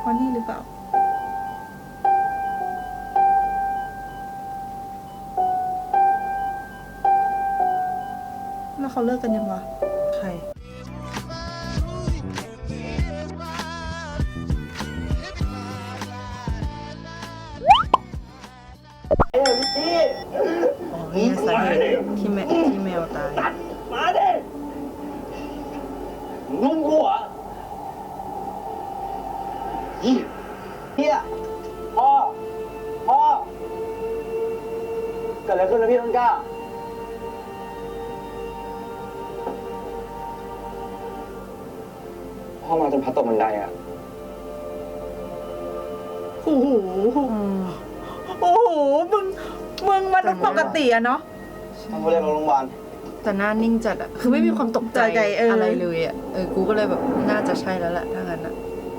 ราะนี่หรือเปล่าแล้วเขาเลิกกันยังวะใครอ๋อนี่สาเหตุที่แมวตายมาดิงงกูเหรอเฮียพ่อเกิดอะไรขึ้นนะพี่ต้นกล้าพ่อมาจนพัดตกบันไดอ่ะโอ้โหมึงมันปกติอะเนาะต้องเรียกโรงพยาบาลแต่หน้านิ่งจัดอะคือไม่มีความตกใจอะไรเลยอะกูก็เลยแบบน่าจะใช่แล้วแหละถ้างั้นอะ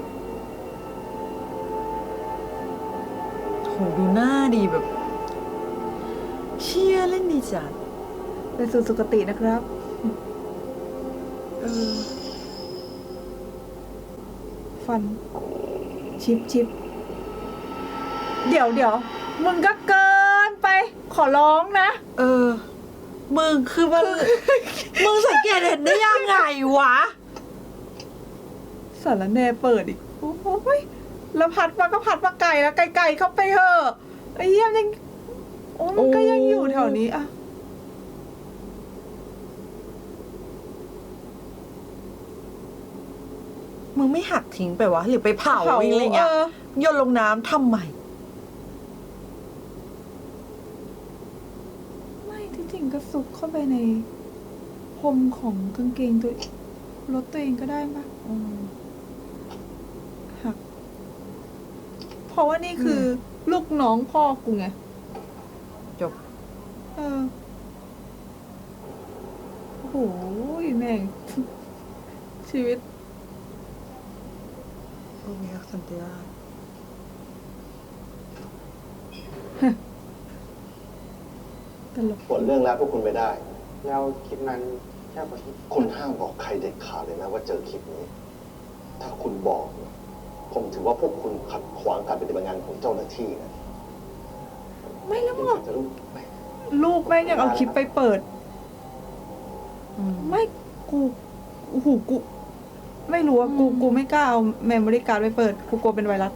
โหดูหน้าดีแบบเชี่ยเล่นดีจัดไปสู่สุคตินะครับฟันชิปเดี๋ยวมึงก็เกินไปขอร้องนะมึงคือมัน มึงสังเกตเห็นได้ยังไงวะสารแหน่เปิดอีกโอ้ยแล้วพัดมาไกลแล้วไกลเข้าไปเถอะไอ้เหี้ยยังโอ้มันก็ยังอยู่แถวนี้อะมึงไม่หักทิ้งไปวะหรือไปเผาอะไรเงี้ยโยนลงน้ำทำไมไม่ที่จริงก็ซุกเข้าไปในพรมของกางเกงตัวรถตัวเองก็ได้ปะหักเพราะว่านี่คือลูกน้องพ่อกูไงจบโอ้โหแม่งชีวิตโอ้ยสันติราชตลกผลเรื่องแล้วพวกคุณไปได้แล้วคลิปนั้นแค่คุณห้ามบอกใครเด็ดขาดเลยนะว่าเจอคลิปนี้ ถ้าคุณบอกผมถือว่าพวกคุณขัดขวางการปฏิบัติงานของเจ้าหน้าที่นะไม่แล้วมั้งลูกแม่งยังเอาคลิปไปเปิดไม่กูโอ้โหกูไม่รู้ว่ากูไม่กล้าเอาเมมโมรี่การ์ดไปเปิดกูกลัวเป็นไวรัส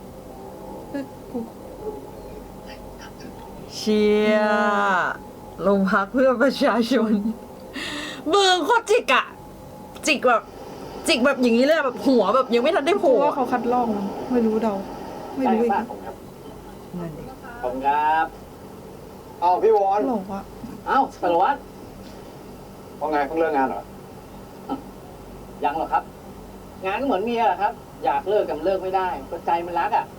เชียลงพักเพื่อประชาชนมือโคตรจิกอะจิกแบบอย่างนี้เลยแบบหัวแบบยังไม่ทันได้โผล่ว่าเขาคัดลอกไม่รู้เดาไม่รู้อีกนั่นเองขอบคุณครับอ้าวพี่วอนหลอกวะอ้าวสารวัตรว่าไงเพิ่งเลิกงานเหรอยังหรอครับงานก็เหมือนเมียครับอยากเลิกกับเลิกไม่ได้ก็ใจมันรักอ่ะ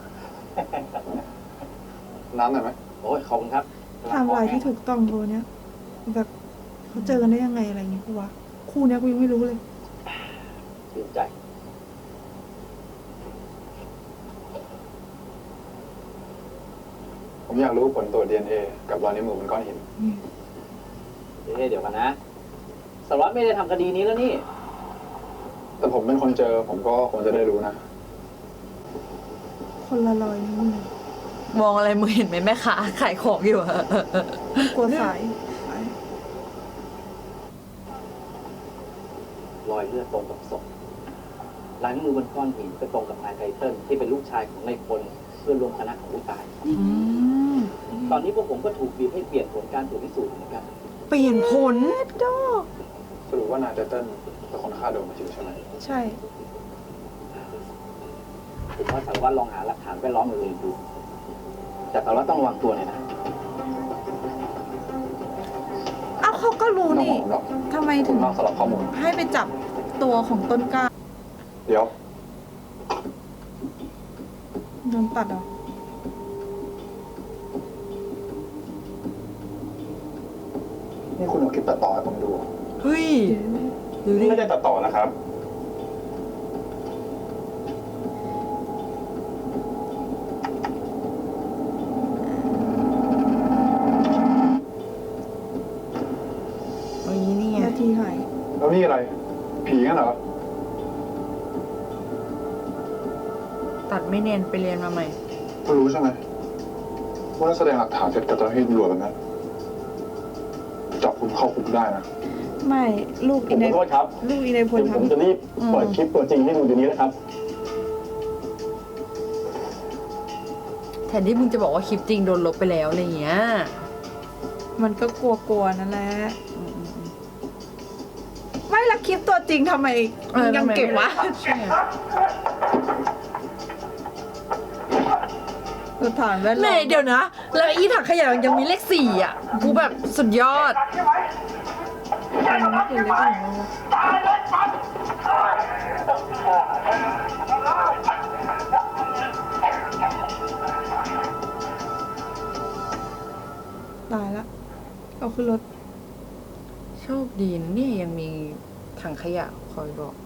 น้ำหน่อยไหมโอ้ยขอบคุณครับไทม์ไลน์ที่ถูกต้องโบเนี้ยแบบเขาเจอกันได้ยังไงอะไรเงี้ยกูวะคู่เนี้ยกูยังไม่รู้เลยชื่นใจผมอยากรู้ผลตรวจ DNA กับรอยนิ้วมือบนก้อนหินเดี๋ยวกันนะสารวัตรไม่ได้ทำคดีนี้แล้วนี่แต่ผมเป็นคนเจอผมก็คงจะได้รู้นะคนละรอยนิ้วมือมองอะไรมึงเห็นไหมแม่ค้าขายของอยู่อะกลัวสายรอยเลือดตรงกับศพลายนิ้วมือบนก้อนหินก็ตรงกับนายไทเติ้ลที่เป็นลูกชายของนายพลเพื่อนร่วมคณะของผู้ตายตอนนี้พวกผมก็ถูกบีบให้เปลี่ยนผลการตรวจพิสูจน์เหมือนกันเปลี่ยนผลสรุปว่านายไทเติ้ลเป็นคนฆ่าโดนมาจริงใช่ไหมใช่ผมว่าสารวัตรลองหาหลักฐานแวดล้อมอื่นดูแต่สารวัตรต้องระวังตัวหน่อยนะอ้าวเขาก็รู้นี่ทำไมถึงสลับข้อมูลให้ไปจับตัวของต้นกล้าเดี๋ยวโดนตัดเหรอนี่คุณเอาคลิปตัดต่อให้ผมดูเฮ้ยดูดิไม่ได้ตัดต่อนะครับนาทีหายแล้วนี่อะไรผีงั้นเหรอตัดไม่เนียนไปเรียนมาใหม่คุณรู้ใช่ไหมว่าถ้าแสดงหลักฐานเสร็จกับเจ้าหน้าที่ตำรวจแล้วนะจับคุณเข้าคุกได้นะไม่ลูกผอีมในขอโทษครับลูกอีในพลเดี๋ยวผมทำจะรีบเปิดคลิปตัวจริงให้ดูเดี๋ยวนี้นะครับแทนที่มึงจะบอกว่าคลิปจริงโดนลบไปแล้วอะไรเงี้ยมันก็กลัวๆนั่นแหละไม่ละคลิปตัวจริงทำไมยังเก็บวะใช่สถานแวดแม่ล้อมเดี๋ยวนะ แล้วอีถังขยะยังมีเลขสี่อ่ะ กูแบบสุดยอดอันนี้คือเล็กของเราตายละเอาขึ้นรถโชคดีนะเนี่ยยังมีถังขยะคอยบอก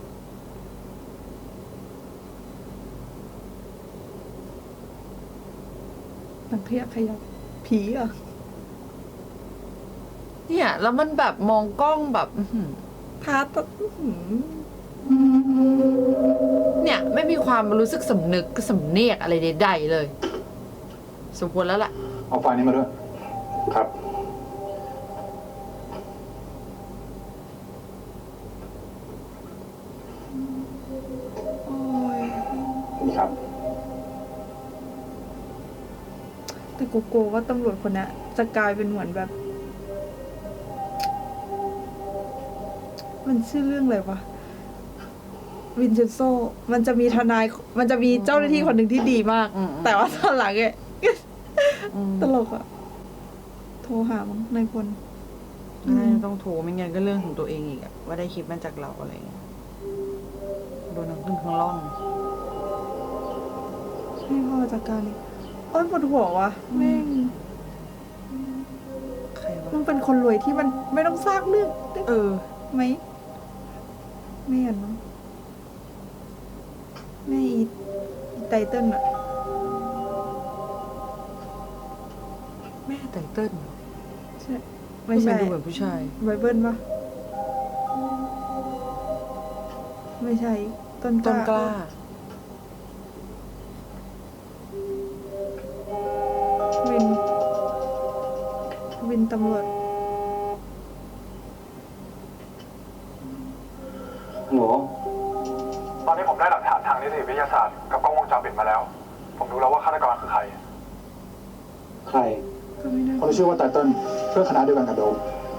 หนังขยะขยับผีเหรอ่ะเนี่ยแล้วมันแบบมองกล้องแบบ อื้อหือพาตะอื้อหือเนี่ยไม่มีความรู้สึกสำนึกสำเนียกอะไรใดๆเลย สมควรแล้วล่ะเอาไฟล์นี้มาด้วย ครับโอ้ยนี่ครับแต่กูกลัวว่าตำรวจคนนี้จะกลายเป็นเหมือนแบบ มันชื่อเรื่องอะไรวะวินเชนโซ มันจะมีทนาย มันจะมีเจ้าหน้าที่คนหนึ่งที่ดีมากอืมแต่ว่าตอนหลังเนี่ยอืมตลกอะโทรหามั้งนายพลน่าจะต้องโทรไม่งั้นก็เรื่องของตัวเองอีกอะว่าได้คลิปมาจากเราอะไรเงี้ยโดนทั้งขึ้นทั้งล่องให้พ่อจัดการเลยโอ้ยปวดหัววะแม่งใครวะมึงเป็นคนรวยที่มันไม่ต้องสร้างเรื่องได้เออไหมไม่เห็นมั้งแม่อีไตเติ้ลอะแม่ไตเติ้ลเหรอใช่ไม่ใช่ทำดูเหมือนผู้ชายไบเบิลปะไม่ใช่ ต้นต้นกล้าวิน วินตำรวจหนูตอนนี้ผมได้หลักฐานทางนิติวิทยาศาสตร์กับกล้องวงจรปิดมาแล้ว ผมรู้แล้วว่าฆาตกรคือใครใครก็ไม่น่าคนที่ชื่อว่าไตเติ้ลเพื่อนคณะเดียวกันกับโดม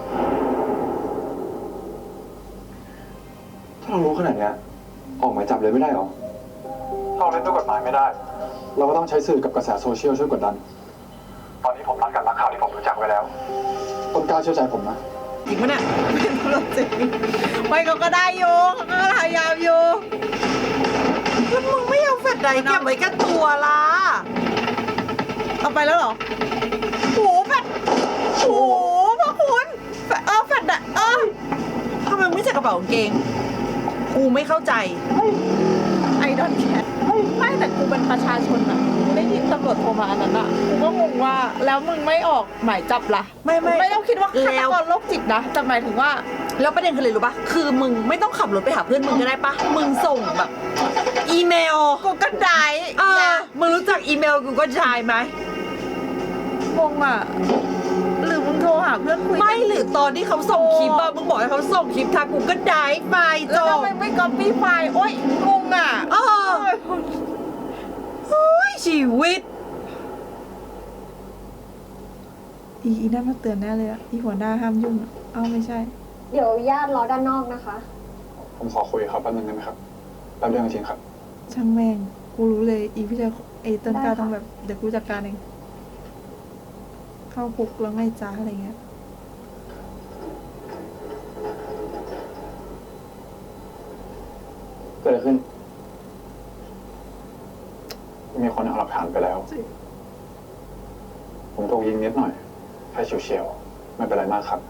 ถ้าเรารู้ขนาดเนี้ยออกหมายจับเลยไม่ได้หรอถ้าเราเล่นด้วยกฎหมายไม่ได้ เราก็ต้องใช้สื่อกับกระแสโซเชียลช่วยกดดัน ตอนนี้ผมตั้งกันนักข่าวที่ผมรู้จักไว้แล้ว ต้นกล้าเชื่อใจผมนะจริงปะเนี่ยเป็นตำรวจจริงไม่เขาก็ได้อยู่เขาก็พยายามอยู่แล้วมึงไม่เอาแฟลชไดรฟ์เก็บไว้กับตัวล่ะเอาไปแล้วเหรอโหแฟดโหพระคุณแฟดแฟดอะทำไมมึงไม่ใส่กระเป๋ากางเกง กูไม่เข้าใจไอดอนแคทไม่แต่กูเป็นประชาชนอะกูได้ยินตำรวจโทรมาอันนั้นอะกูก็งงว่าแล้วมึงไม่ออกหมายจับล่ะ ไม่ต้องคิดว่าฆาตกรโรคจิตนะแต่หมายถึงว่าแล้วประเด็นคืออะไรรู้ปะคือมึงไม่ต้องขับรถไปหาเพื่อนมึงก็ได้ปะมึงส่งแบบ อีเมลกูก็ได้มึงรู้จักอีเมลกูก็ชายไหมงงอะหรือมึงโทรหาเพื่อนคุยไม่หรือตอนที่เขาส่งคลิปอะมึงบอกให้เขาส่งคลิปทางกูก็ได้ไปจแล้วทำบไมไม่ก๊อปปี้ไฟล์โอ๊ยงงอะโอ้ยชีวิตอีนั่นมาเตือนแน่เลยอะอีหัวหน้าห้ามยุ่งอะเอ้าไม่ใช่เดี๋ยวญาติรอด้านนอกนะคะผมขอคุยกับเขาแป๊บนึงได้ไหมครับ แป๊บเดียวจริงๆครับช่างแม่ง กูรู้เลย อีพี่ชายไอ้ต้นกล้าได้ค่ะต้องแบบ เดี๋ยวกูจัดการเอง เข้าคุกแล้วไงจ้าอะไรเงี้ยเกิดอะไรขึ้นมีคนเอาหลักฐานไปแล้ว ผมถูกยิงนิดหน่อยแค่เฉียวๆไม่เป็นไรมากครับ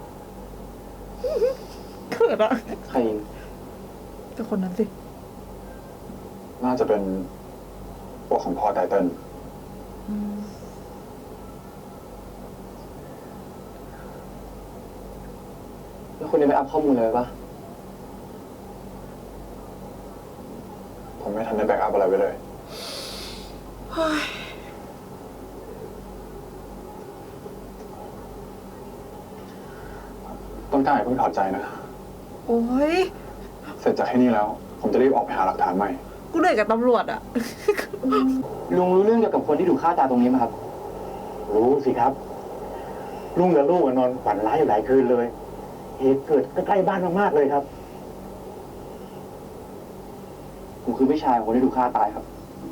เขินอะใครยิงแต่คนนั้นสิน่าจะเป็นพวกของพ่อไตเติ้ลแล้วคุณได้ไปอัพข้อมูลเลยปะผมไม่ทันได้แบ็กอัพอะไรไว้เลยเต้นกล้าอย่าเพิ่งถอดใจนะโอ้ยเสร็จจากที่นี่แล้ว ผมจะรีบออกไปหาหลักฐานใหม่กูเหนื่อยกับตำรวจอะลุงรู้เรื่องเกี่ยวกับคนที่ถูกฆ่าตายตรงนี้ไหมครับรู้สิครับ ลุงกับลูกนอนฝันร้ายอยู่หลายคืนเลย เหตุเกิดใกล้ๆบ้านมากๆเลยครับผมคือพี่ชายของคนที่ถูกฆ่าตายครับ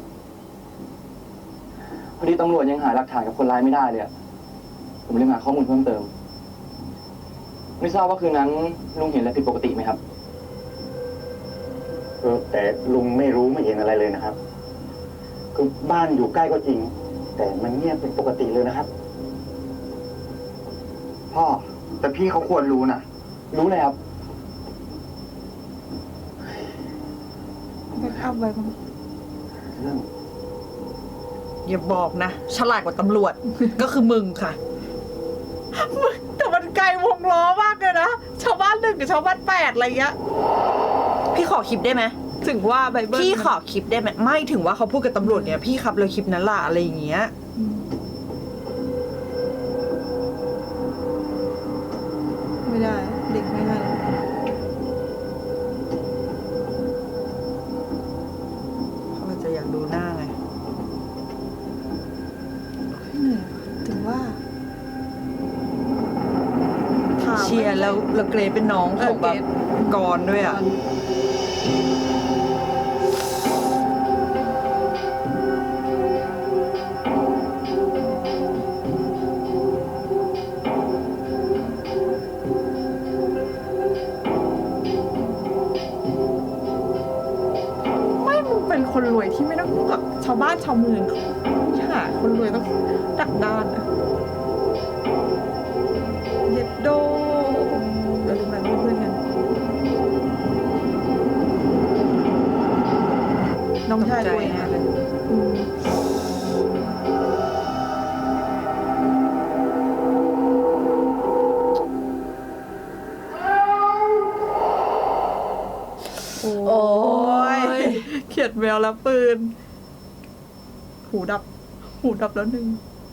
พอดีตำรวจยังหาหลักฐานกับคนร้ายไม่ได้เลยอะผมเลยหาข้อมูลเพิ่มเติม ไม่ทราบว่าคืนนั้นลุงเห็นอะไรผิดปกติไหมครับแต่ลุงไม่รู้ไม่เห็นอะไรเลยนะครับ คือบ้านอยู่ใกล้ก็จริง แต่มันเงียบเป็นปกติเลยนะครับพ่อ แต่พี่เขาควรรู้นะรู้เลยครับแบ็กอัพไว้มั้งเรื่องอย่าบอกนะ ฉลาดกว่าตำรวจ ก็คือมึงค่ะแต่มันไกลวงล้อมากเลยนะ ชาวบ้าน1กับชาวบ้าน8อะไรเงี้ยพี่ขอคลิปได้ไหมถึงว่าไบเบิลพี่ขอคลิปได้ไหมไม่ถึงว่าเขาพูดกับตำรวจเนี่ยพี่ครับเลยคลิปนั้นล่ะอะไรอย่างเงี้ยไม่ได้ เด็กไม่ให้เขาอาจจะอยากดูหน้าไงเหนื่อยถึงว่าถามเชียร์แล้วเกรซเป็นน้องของแบบกรด้วยอ่ะไม่มึงเป็นคนรวยที่ไม่ต้องกับชาวบ้านชาวเมืองเขาหาคนรวยต้องดักดานอะเย็ดโดเดี๋ยวดูแบบเพื่อนๆกันน้องชายรวยนะอืมโอ้ยเขียดแมวแล้วปืน หูดับ หูดับแล้วหนึ่ง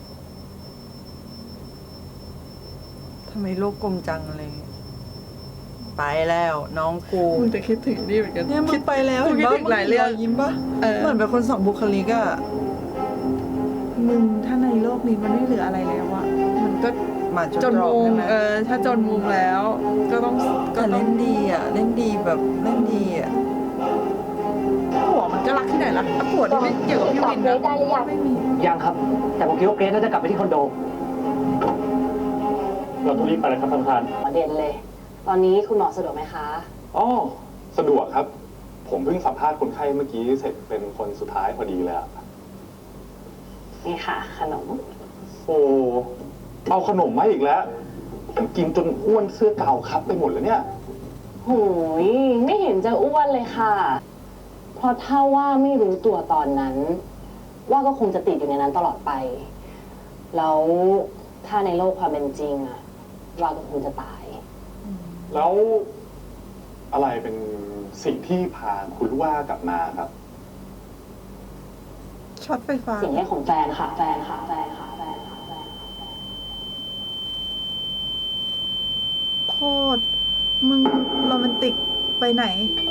ทำไมโลกกลมจังอะไรเงี้ยไปแล้วน้องกูมึงจะคิดถึงนี่เหมือนกันเนี่ยมึงไปแล้วกูคิดถึงหลายเรื่องยิ้มปะเออเหมือนเป็นคนสองบุคลิกอะมึงถ้าในโลกนี้มันไม่เหลืออะไรแล้วอะมันก็หมาจจนนรอบมุมใช่ไหมถ้าจนมุมแล้ว ก็ต้องแต่เล่นดีอะเล่นดีแบบเล่นดีอะผัวมันก็รักที่ไหนล่ะผัวที่ไม่เกี่ยวกับพี่วินนะได้หรือยังไม่มียังครับ แต่ผมคิดว่าเกรซน่าจะกลับไปที่คอนโดเราต้องรีบไปแล้วครับท่านประธานประเด็นเลย ตอนนี้คุณหมอสะดวกไหมคะอ๋อ สะดวกครับ ผมเพิ่งสัมภาษณ์คนไข้เมื่อกี้เสร็จเป็นคนสุดท้ายพอดีเลยอะนี่ค่ะ ขนมโอ้เอาขนมมาอีกแล้ว ผมกินจนอ้วนเสื้อเก่าครับไปหมดแล้วเนี่ยหูย ไม่เห็นจะอ้วนเลยค่ะ เพราะถ้าว่าไม่รู้ตัวตอนนั้น ว่าก็คงจะติดอยู่ในนั้นตลอดไป แล้วถ้าในโลกความเป็นจริงอะว่าก็คงจะตายแล้วอะไรเป็นสิ่งที่พาคุณลูกว่ากลับมาครับช็อตไฟฟ้าเสียงเรียกของแฟนค่ะ แฟนค่ะ แฟนค่ะ แฟนค่ะ แฟนค่ะโคตร มึงโรแมนติกไปไหน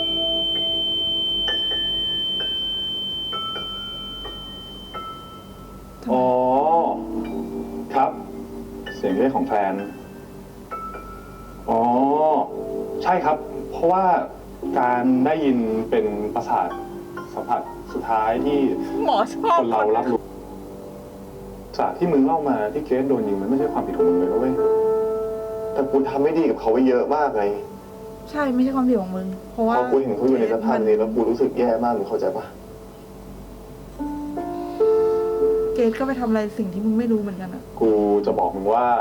อ๋อ ครับ เสียงเรียกของแฟน อ๋อ ใช่ครับ เพราะว่าการได้ยินเป็นประสาทสัมผัสสุดท้ายที่หมอชอบคนเรารับรู้จากที่มึงเล่ามาที่เกรซโดนยิงมันไม่ใช่ความผิดของมึงเลยนะเว้ยแต่กูทำไม่ดีกับเขาไว้เยอะมากไงใช่ไม่ใช่ความผิดของมึง เพราะว่าพอกูเห็นเขาอยู่ในสภาพนี้แล้วกูรู้สึกแย่มากมึงเข้าใจปะเกรซก็ไปทำอะไรสิ่งที่มึงไม่รู้เหมือนกันอะกูจะบอกมึงว่า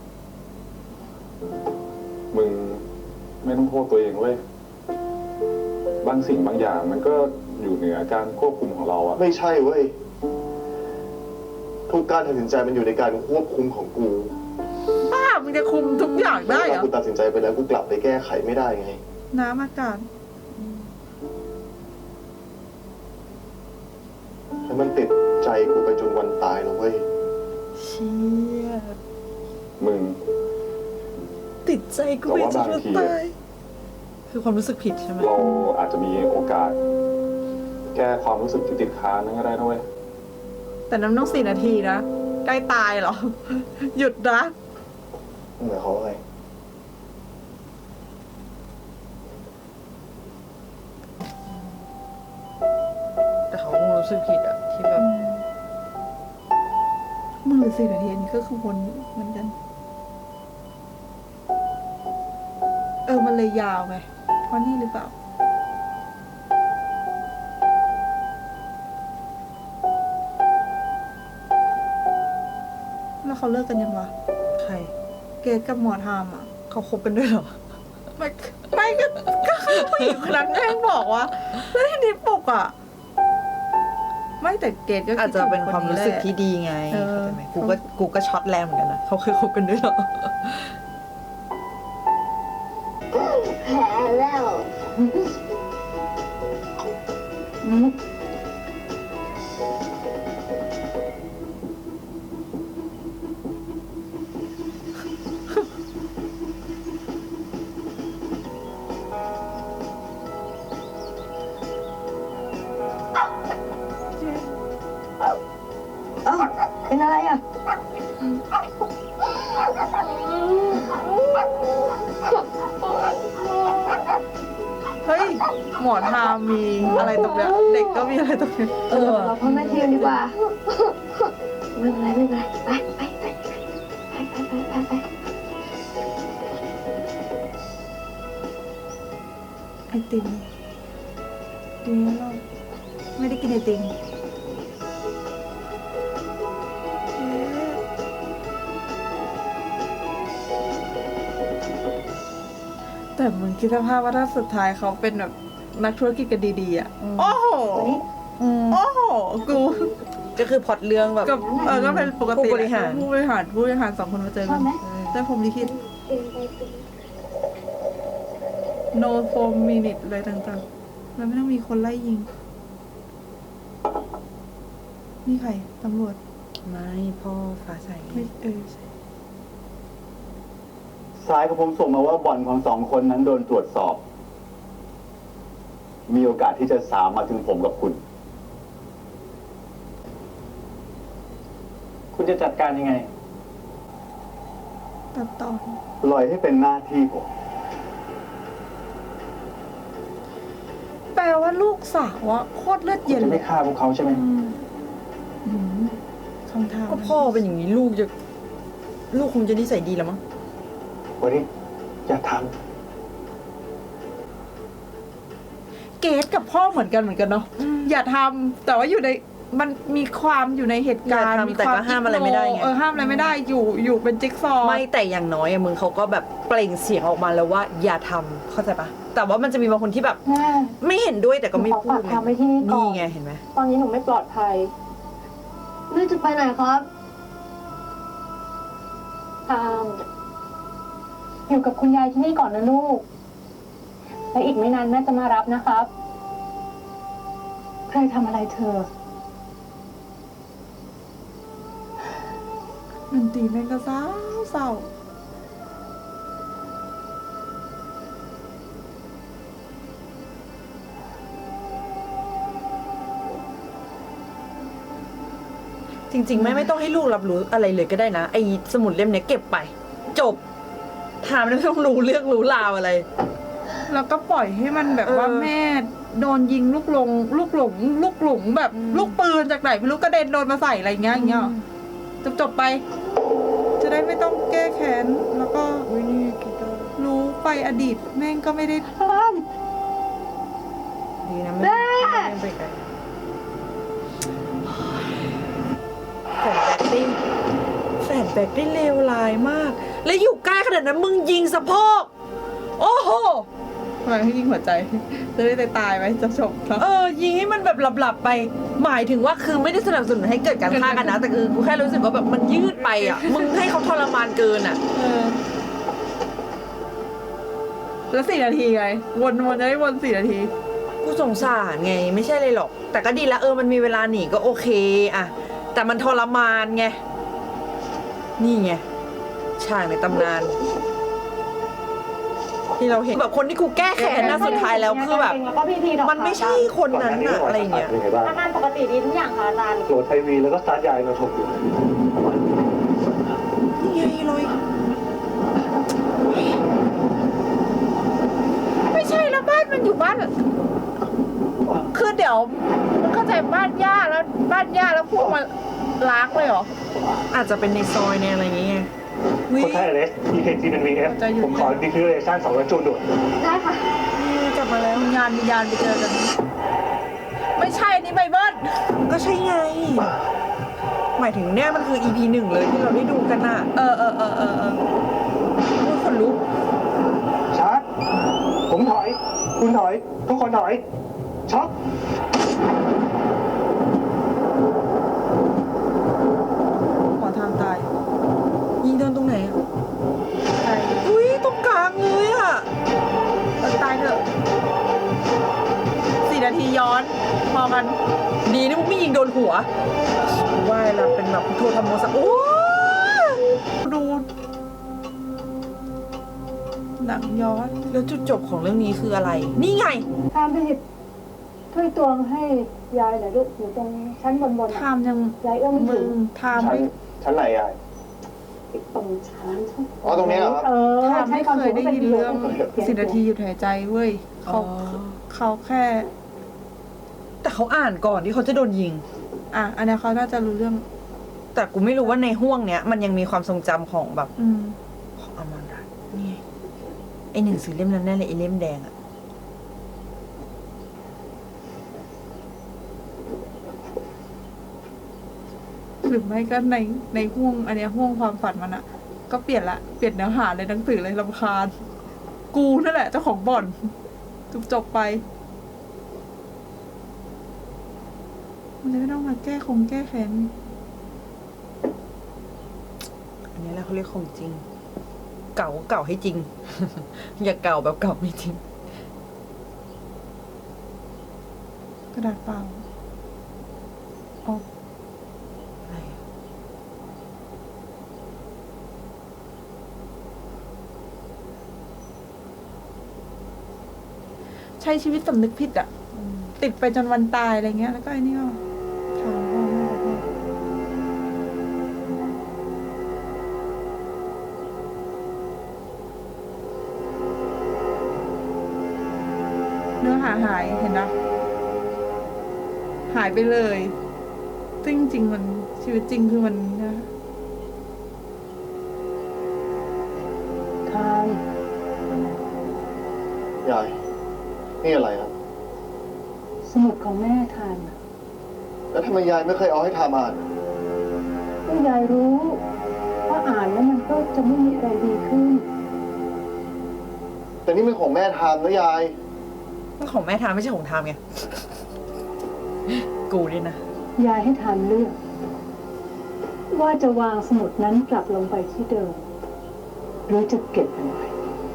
มึงไม่ต้องโทษตัวเองเว้ย บางสิ่งบางอย่างมันก็อยู่เหนือการควบคุมของเราอะไม่ใช่เว้ย ทุกการตัดสินใจมันอยู่ในการควบคุมของกูบ้ามึงจะคุมทุกอย่างได้เหรเวลาอกูตัดสินใจไปแล้วกูกลับไปแก้ไขไม่ได้ไงน้ำอากาศแล้วมันติดใจกูไปจนวันตายนะเว้ยเชี่ยมึงติดใจกูไปจนวันแต่ว่าบางทีตายคือความรู้สึกผิดใช่ไหมเราอาจจะมีโอกาส แก้ความรู้สึกที่ติดค้างนั้นก็ได้นะเว้ยแต่น้ำต้อง4 นาทีนะ ใกล้ตายเหรอ หยุดนะหมายความว่าไงแต่เขาคงรู้สึกผิดอะที่แบบมึงหรือ4 นาทีอันนี้ก็คือวนอยู่เหมือนกัน มันเลยยาวไง เพราะนี่หรือเปล่า แล้วเขาเลิกกันยังวะใครเกดกับหมอทามอ่ะเขาคบกันด้วยเหรอไม่ก็คือผู้หญิงคนนั้นแม่งบอกว่าแล้วทีนี้ปกอ่ะ ไม่แต่เกดก็คิดอาจจะเป็นความรู้สึกถึงนที่นี้แหละดีไงเออเข้าใจไหมกูก็ช็อตแรงเหมือนกันนะเขาเคยคบกันด้วยเหรอแพ้แล้วเอ้าเป็นอะไรอ่ะเฮ้ย หมอทามมีอะไรตรงเนี้ยเด็กก็มีอะไรตรงเนี้ยเราพ่อแม่ทีมดีกว่า ไม่เป็นไรไม่เป็นไรไปไปไปไปไอติมดีแล้วเราไม่ได้กินไอติมแต่มึงคิดสภาพว่าถ้าสุดท้ายเขาเป็นแบบนักธุรกิจกันดีๆอ่ะ โอ้โห โอ้โห กูก็คือพล็อตเรื่องแบบกับก็เป็นปกติผู้บริหารผู้บริหาร2 คนมาเจอกันได้ผมลิขิต no 4 minute อะไรต่างๆแล้วไม่ต้องมีคนไล่ยิง นี่ใครตำรวจไม่พ่อฟ้าใสไม่ใช่สายของผมส่งมาว่าบ่อนของ2 คนนั้นโดนตรวจสอบ มีโอกาสที่จะสามมาถึงผมกับคุณ คุณจะจัดการยังไงตัดตอนปล่อยให้เป็นหน้าที่ผมแปลว่าลูกสาวอะโคตรเลือดคุณเย็นจะเลไม่ยฆ่าพวกเขาใช่ไหมคำถามก็พ่อเป็นอย่างนี้ลูกคงจะนิสัยดีแล้วมั้งวันนี้อย่าทเกตกับพ่อเหมือนกันเนาะอย่าทำแต่ว่าอยู่ในมันมีความอยู่ในเหตุการณ์อย่าทำมีแต่ความก็ห้ามอะไรไม่ได้ไงห้ามอะไรไม่ได้อยู่เป็นจิ๊กซอว์ไม่แต่อย่างน้อยอะมึงเขาก็แบบเปล่งเสียงออกมาแล้วว่าอย่าทำเข้าใจปะแต่ว่ามันจะมีบางคนที่แบบแม่ไม่เห็นด้วยแต่ก็ไม่ขอพูฝาดกทำไว้ที่นี่ก่อนนี่ไงเห็นไหมตอนนี้หนูไม่ปลอดภัยแม่จะไปไหนครับตามอยู่กับคุณยายที่นี่ก่อนนะลูก และอีกไม่นานแม่จะมารับนะครับ ใครทำอะไรเธอดนตรีแม่งก็เศร้าจริงๆไม่ต้องให้ลูกรับรู้อะไรเลยก็ได้นะไอ้สมุดเล่มเนี้ยเก็บไป จบถามไม่ต้องรู้เรื่องรู้ราวอะไรแล้วก็ปล่อยให้มันแบบว่าแม่โดนยิงลูกหลงแบบลูกปืนจากไหนไม่รู้กระเด็นโดนมาใส่อะไรเงี้ยจบไป จะได้ไม่ต้องแก้แค้นแล้วก็รู้ไปอดีตแม่งก็ไม่ได้ดีนะไม่ไปไกลแฟนแบกได้เลวร้ายมาก แล้วอยู่ใกล้ขนาดนั้นมึงยิงสะโพกโอ้โหทำไมให้ยิงหัวใจ จะได้ตายไหมจะจบครับยิงให้มันแบบหลับๆไป หมายถึงว่าคือไม่ได้สนับสนุนให้เกิดการฆ่ากันนะ แต่คือกูแค่รู้สึกว่าแบบมันยืดไปอ่ะ มึงให้เขาทรมานเกินอ่ะแล้ว4 นาทีไงวนจะได้วน4 นาทีกูสงสารไงไม่ใช่เลยหรอก แต่ก็ดีละมันมีเวลาหนีก็โอเคอะแต่มันทรมานไงนี่ไงฉากในตำนานที่เราเห็นแบบคนที่กูแก้แค้นนะสุดท้ายแล้วคือแบบแล้วก็พิธีดอกมันไม่ใช่คนนั้นอะอะไรอย่างเงี้ยเป็นไงบ้างอาการปกติดีทุกอย่างค่ะอาจารย์โหลดไทวีแล้วก็สตาร์ทยายมาถกอยู่นี่ไงเลยไม่ใช่แล้วบ้านมันอยู่บ้านคือเดี๋ยวมึงเข้าใจบ้านย่าแล้วพวกมันล้างเลยเหรออาจจะเป็นในซอยในอะไรอย่างเงี้ยคนไทยเลส EKG เป็น VF จะอยู่ผมขอ declaration 200จูนด่วนได้ค่ะกลับมาแล้ววิญญาณไปเจอกัน ไม่ใช่อันนี่ไบเบิลก็ใช่ไง หมายถึงเนี่ยมันคือ EP 1เลยที่เราได้ดูกันน่ะพูดคนลุกชาร์จผมถอย คุณถอย ทุกคนถอย ช็อคขอทางตายยิงโดนตรงไหนอะตายอุ้ยตรงกลางเลยอะตายเถอะ4 นาทีย้อนพอกันดีนะมึงไม่ยิงโดนหัวว่ายแล้วเป็นแบบพุทโธธรรมโมสักโอ้ดูหนังย้อนแล้วจุดจบของเรื่องนี้คืออะไร นี่ไงทำไปหยิบถ้วยตวงให้ยายหน่อยลูกอยู่ตรงชั้นบนๆทามยังยายเอื้อมไม่มึถึงงทามชั้นไหนยายตรงชั้นอ๋อตรงนี้เหรอครับทามไม่เคยได้ยินเรื่อง10 นาทีหยุดหายใจเว้ยเขาแค่แต่เขาอ่านก่อนที่เขาจะโดนยิงอันนี้เขาน่าจะรู้เรื่องแต่กูไม่รู้ว่าในห่วงเนี้ยมันยังมีความทรงจำของแบบอืมของอมรรัตน์นี่ไงไอหนังสือเล่มนั้นแน่เลยไอเล่มแดงอะหรือไม่ก็ในห่วงอันเนี้ยห่วงความฝันมันอะก็เปลี่ยนเนื้อหาเลยหนังสือเลยรำคาญ กูนั่นแหละเจ้าของบ่อนจบไป มันจะไม่ต้องมาแก้แค้นอันนี้แหละเขาเรียกของจริง เก่าเก่าให้จริง อย่าเก่าแบบเก่าไม่จริงกระดาษเปล่าอ๋ออะไรอะใช้ชีวิตสำนึกผิดอะติดไปจนวันตายอะไรเงี้ยแล้วก็ไอ้นี่ก็ถามพ่อแม่บอกว่าเนื้อหาหายเห็นนะหายไปเลยซึ่งจริงมันชีวิตจริงคือมันนะทานยาย นี่อะไรครับสมุดของแม่ทานแล้วทำไมยายไม่เคยเอาให้ทำอ่านก็ยายรู้ว่าอ่านแล้วมันก็จะไม่มีอะไรดีขึ้นแต่นี่เป็นของแม่ทำนะยายมันของแม่ทามไม่ใช่ของทามไง กูนี่นะยายให้ทานเลือก ว่าจะวางสมุดนั้นกลับลงไปที่เดิม หรือจะเก็บมันไว้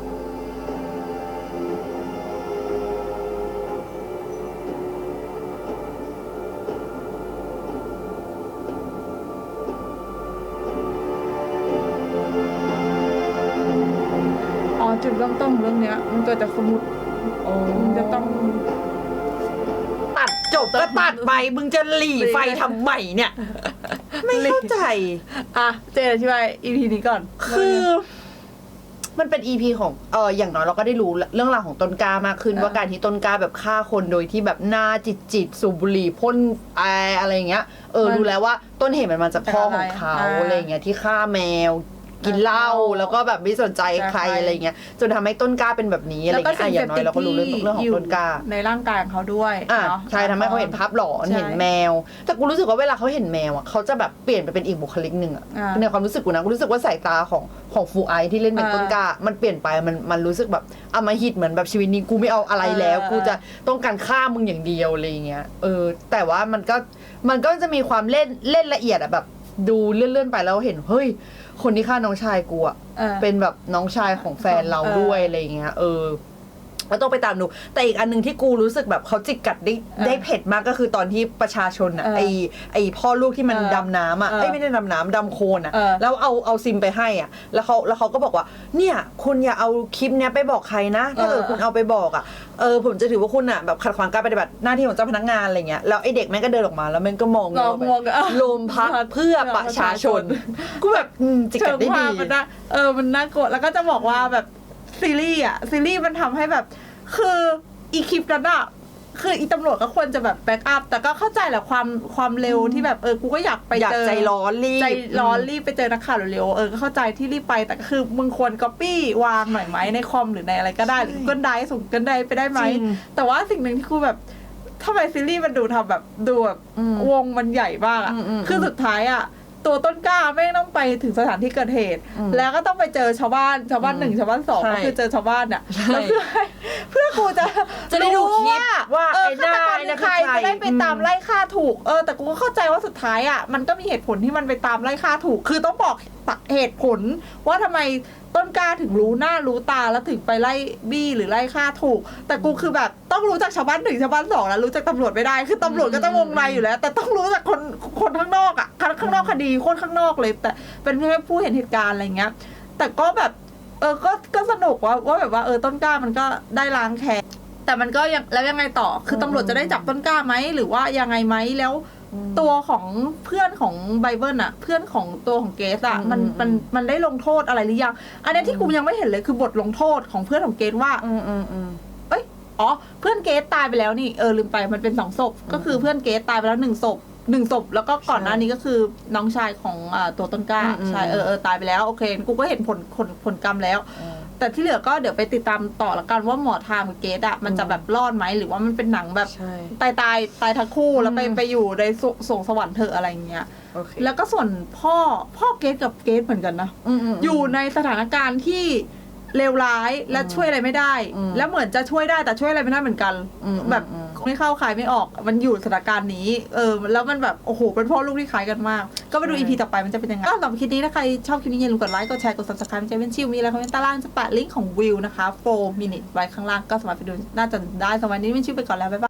อ๋อจุดเริ่มต้นของเรื่องเนี้ย มันเกิดจากสมุดมันจะต้องตัดจบก็ตัดไป มึงจะหลีไฟทำไมเนี่ย ไม่เข้าใจเจนอธิบาย EP นี้ก่อนคือมันเป็น EP ของอย่างน้อยเราก็ได้รู้เรื่องราวของต้นกล้ามากขึ้น ว่าการที่ต้นกล้าแบบฆ่าคนโดยที่แบบหน้าจิตสูบบุหรี่พ่นอะไรอย่างเงี้ยรู้แล้วว่าต้นเหตุมันมาจากพ่อของเขาอะไรอย่างเงี้ยที่ฆ่าแมวกินเหล้าแล้วก็แบบไม่สนใจใครอะไรเงี้ยจนทำให้ต้นกล้าเป็นแบบนี้อะไรแล้วก็เงี้ยอย่างน้อยเราก็รู้เรื่องของต้นกล้าในร่างกายของเขาด้วยเนาะใช่ทำให้เขาเห็นภาพหลอนเห็นแมว แต่กูรู้สึกว่าเวลาเขาเห็นแมวอ่ะเขาจะแบบเปลี่ยนไปเป็นอีกบุคลิกหนึ่งอ่ะในความรู้สึกกูนะกูรู้สึกว่าสายตาของฟูไอที่เล่นเป็นต้นกล้ามันเปลี่ยนไปมันรู้สึกแบบอำมหิตเหมือนแบบชีวิตนี้กูไม่เอาอะไรแล้วกูจะต้องการฆ่ามึงอย่างเดียวอะไรเงี้ยแต่ว่ามันก็จะมีความเล่นละเอียดอ่ะแบบดูเลื่อนๆไปแล้วเห็นเฮ้ยคนที่ฆ่าน้องชายกูอ่ะเป็นแบบน้องชายของแฟนเราด้วยอะไรเงี้ยก็ต้องไปตามดูแต่อีกอันนึงที่กูรู้สึกแบบเขาจิกกัดได้เผ็ดมากก็คือตอนที่ประชาชนอ่ะไอพ่อลูกที่มันดำน้ำอ่ะไม่ได้ดำน้ำดำโคลนอ่ะแล้วเอาซิมไปให้อ่ะแล้วเขาก็บอกว่าเนี่ยคุณอย่าเอาคลิปเนี้ยไปบอกใครนะถ้าเกิดคุณเอาไปบอกอ่ะผมจะถือว่าคุณอ่ะแบบขัดขวางการปฏิบัติหน้าที่ของเจ้าพนักงานอะไรเงี้ยแล้วไอเด็กแม่งก็เดินออกมาแล้วมันก็มองโลมพักเพื่อประชาชนกูแบบจิกกัดได้ดีมันน่ากลัวแล้วก็จะบอกว่าแบบซีรีส์มันทำให้แบบคืออีคลิปนั้นอะคืออีตำรวจก็ควรจะแบบแบ็กอัพแต่ก็เข้าใจแหละความเร็วที่แบบกูก็อยากไปเจอใจร้อนรีบไปเจอนักข่าวเร็วๆก็เข้าใจที่รีบไปแต่ก็คือมึงควรก๊อปปี้วางหน่อยไหมในคอมหรือในอะไรก็ได้หรือGoogle Driveส่งGoogle Driveไปได้ไหมแต่ว่าสิ่งหนึ่งที่กูแบบทำไมซีรีส์มันดูทำแบบดูแบบวงมันใหญ่มากอะคือสุดท้ายอะตัวต้นกล้าไม่ต้องไปถึงสถานที่เกิดเหตุแล้วก็ต้องไปเจอชาวบ้าน1ชาวบ้าน2ก็คือเจอชาวบ้านเนี่ยแล้วเพื่อกูจะได้ดูคลิปว่าไอ้หน้าใครจะได้ไปตามไล่ฆ่าถูกแต่กูก็เข้าใจว่าสุดท้ายอ่ะมันก็มีเหตุผลที่มันไปตามไล่ฆ่าถูกคือต้องบอกเหตุผลว่าทำไมต้นกล้าถึงรู้หน้ารู้ตาแล้วถึงไปไล่บี้หรือไล่ฆ่าถูกแต่กูคือแบบต้องรู้จากชาวบ้าน1ชาวบ้าน2แล้วรู้จากตำรวจไม่ได้คือตำรวจก็จะวงในอยู่แล้วแต่ต้องรู้จากคนข้างนอกอ่ะข้างนอกคดีคนข้างนอกเลยแต่เป็นแค่ผู้เห็นเหตุการณ์อะไรเงี้ยแต่ก็แบบก็สนุกว่าแบบว่าต้นกล้ามันก็ได้ล้างแค้นแต่มันก็ยังไงต่อคือตำรวจจะได้จับต้นกล้าไหมหรือว่ายังไงไหมแล้วตัวของเพื่อนของไบเบิลอะเพื่อนของตัวของเกสอะมันได้ลงโทษอะไรหรือยังอันนี้ที่กูยังไม่เห็นเลยคือบทลงโทษของเพื่อนของเกสว่าเพื่อนเกสตายไปแล้วนี่ลืมไปมันเป็น2ศพก็คือเพื่อนเกสตายไปแล้ว1ศพแล้วก็ก่อนหน้านี้ก็คือน้องชายของตัวต้นกล้าใช่ตายไปแล้วโอเคกูก็เห็นผลกรรมแล้วแต่ที่เหลือก็เดี๋ยวไปติดตามต่อละกันว่าหมอทามกับเกสอะมันจะแบบรอดไหมหรือว่ามันเป็นหนังแบบตายทั้งคู่แล้วไปอยู่ในสวงสวรรค์เถอะอะไรเงี้ยแล้วก็ส่วนพ่อเกสกับเกสเหมือนกันนะอยู่ในสถานการณ์ที่เลวร้ายและช่วยอะไรไม่ได้แล้วเหมือนจะช่วยได้แต่ช่วยอะไรไม่ได้เหมือนกันแบบไม่เข้าขายไม่ออกมันอยู่สถานการณ์นี้แล้วมันแบบโอ้โหเป็นพ่อลูกที่คล้ายกันมากก็ไปดู EP ต่อไปมันจะเป็นยังไงก็สำหรับคลิปนี้ถ้าใครชอบคลิปนี้อย่าลืมกดไลค์กดแชร์กด Subscribe จะเป็นชิวมีอะไรคอมเมนต์ใต้ล่างจะแปะลิงก์ของวิวนะคะ4 minutes ไว้ข้างล่างก็สามารถไปดูน่าจะได้สำหรับวันนี้เป็นชิวไปก่อนแล้วบ๊ายบาย